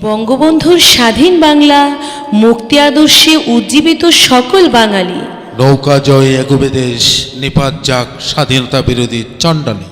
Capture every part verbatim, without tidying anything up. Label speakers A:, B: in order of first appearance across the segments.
A: বঙ্গবন্ধুর স্বাধীন বাংলা মুক্তি আদর্শে উজ্জীবিত সকল বাঙালি।
B: নৌকা জয় এগোবে দেশ, নিপাত যাক স্বাধীনতা বিরোধী চণ্ডালী।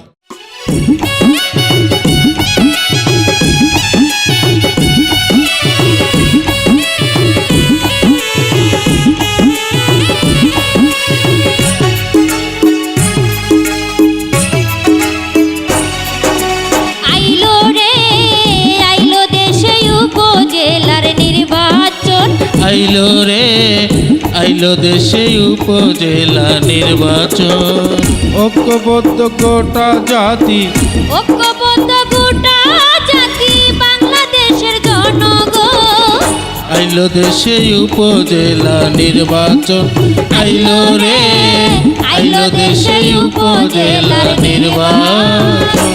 C: আইলো রে আইলো দেশে উপজেলা নির্বাচন, ঐক্যবদ্ধ গোটা জাতি,
D: ঐক্যবদ্ধ গোটা জাতি বাংলাদেশের জনগণ।
C: আইলো দেশে উপজেলা নির্বাচন, আইলো রে আইলো দেশে উপজেলা নির্বাচন।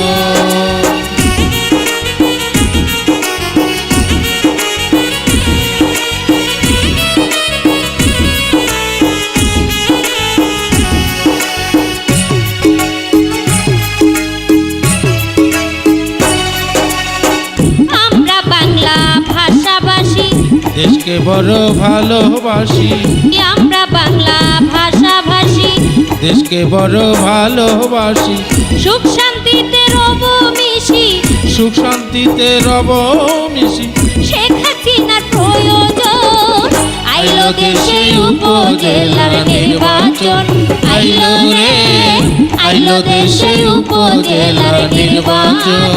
C: দেশকে বড় ভালোবাসি,
D: আমরা বাংলা ভাষাভাষী,
C: দেশকে বড় ভালোবাসি,
D: সুখ শান্তিতে রব মিশি,
C: সুখ শান্তিতে রব মিশি,
D: শেখ হাসিনার প্রয়োজন। আইলো দেশে উপজেলার নির্বাচন, আইলো রে আইলো দেশে উপজেলার নির্বাচন।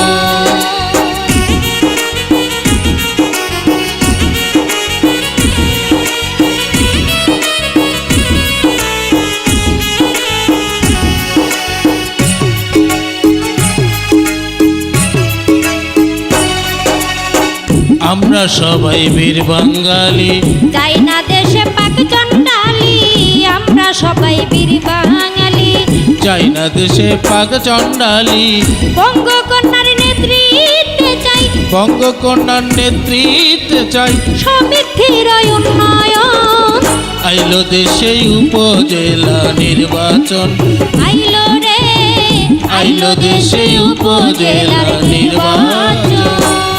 D: আমরা সবাই বীর বাঙালি, যাই না দেশে পাক চণ্ডালী, আমরা সবাই বীর বাঙালি,
C: যাই না দেশে পাক চণ্ডালী।
D: বঙ্গকন্যার নেতৃত্বে চাই,
C: বঙ্গকন্যার নেতৃত্বে চাই,
D: সমৃদ্ধির উন্নয়ন।
C: আইলো দেশে উপজেলা নির্বাচন,
D: আইলো রে
C: আইলো দেশে উপজেলা নির্বাচন।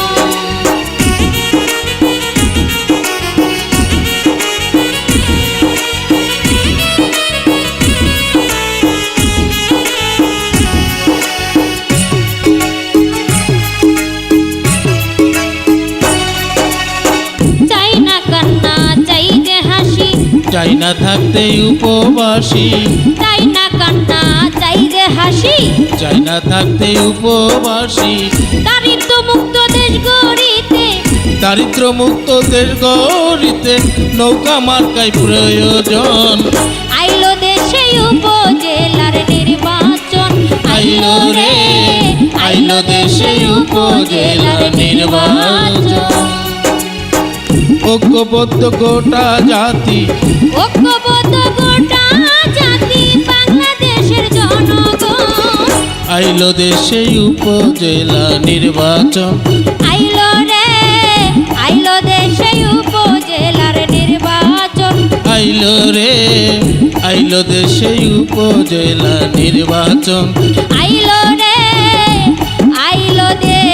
C: চাই না থাকতে উপবাসী,
D: চাই না কান্না চাই যে হাসি,
C: চাই না থাকতে উপবাসী,
D: দারিদ্র মুক্ত দেশ গড়িতে,
C: দারিদ্র মুক্ত দেশ গড়িতে নৌকা মার্কাই প্রয়োজন।
D: আইলো দেশে উপজেলার নির্বাচন,
C: আইলো রে আইলো দেশে উপজেলার নির্বাচন। ঐক্যবদ্ধ গোটা জাতি,
D: ঐক্যবদ্ধ গোটা জাতি বাংলাদেশের জনগণ।
C: আইলো দেশে উপজেলা নির্বাচন,
D: আইলো রে আইলো দেশে উপজেলার নির্বাচন,
C: আইলো রে আইলো দেশে উপজেলা নির্বাচন,
D: আইলো রে আইলো দে